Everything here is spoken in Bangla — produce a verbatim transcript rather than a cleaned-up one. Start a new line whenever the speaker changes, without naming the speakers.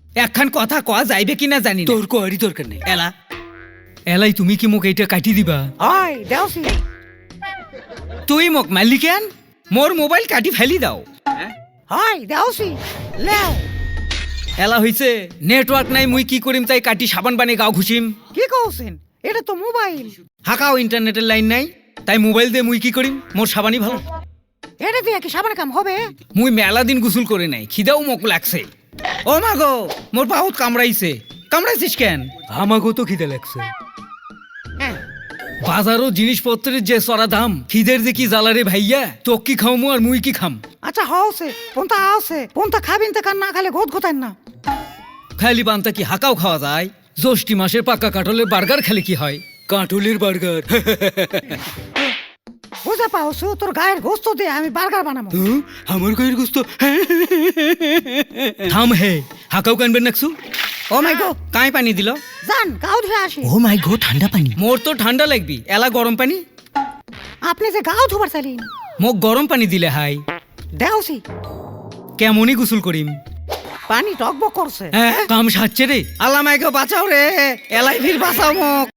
একখান কথা কয়া যাইবে কিনা জানি না।
তোর কোয়ারি দরকার নেই।
এলা এলাই তুমি কি মোক এইটা কাটি দিবা?
ওই দেওসি
তুই মোক মারলি কেন? মোর মোবাইল কাটি ফেলি দাও।
ওই দেওসি লেও
এলা হইছে নেটওয়ার্ক নাই, মুই কি করিম তাই কাটি সাবান বানে গাও ঘুষিম।
কি কওছেন? এটা তো মোবাইল।
হাকাও ইন্টারনেটের লাইন নাই, তাই মোবাইল দিয়ে মুই কি করিম? মোর সাবানই ভালো।
এটা দিয়ে কি সাবান কাম হবে?
মুই মেলা দিন গোসল করে নাই, খিদাও মোক লাগছে। ও মা গো, মোর বহুত কামড়াইছে। কামড়াইছিস কেন?
আমাকেও তো খিদে লাগছে।
হ্যাঁ
বাজারও জিনিসপত্রের যে চড়া দাম, খিদের যে কি জ্বালারে ভাইয়া। তোক কি খাওমু আর মুই কি খাম?
আচ্ছা হওছে পন্তা আছে পন্তা খাবেন তো কান না খালে গোদ গোতান না।
খালি পান্তা কি হাকাও খাওয়া যায়? জ্যৈষ্ঠী মাসের পাকা কাঠলের বার্গার খেলে কি হয়?
কাঠুলির বার্গার।
বুঝা পাওছো, তোর গায়ের গোস্ত দিয়ে আমি বার্গার বানাবো।
হুম, আমার গায়ের গোস্ত।
থাম হে, হাকাও কানবেন নাকছু। ও মাই গো, কাই পানি দিল?
যান গাও ধুয়ে আসি।
ও মাই গো, ঠান্ডা পানি।
মোর তো ঠান্ডা লাগবি, এলা গরম পানি।
আপনি যে গাও ধুবার চাইলেন,
মোক গরম পানি দিলে হাই।
দেওসি
কেমনই গোসল করিম?
পানি টকবক করছে।
হ্যাঁ কাম সাচ্ছে রে। আল্লাহ মাইকে বাঁচাও রে, এলাই ফির বাঁচাও মোক।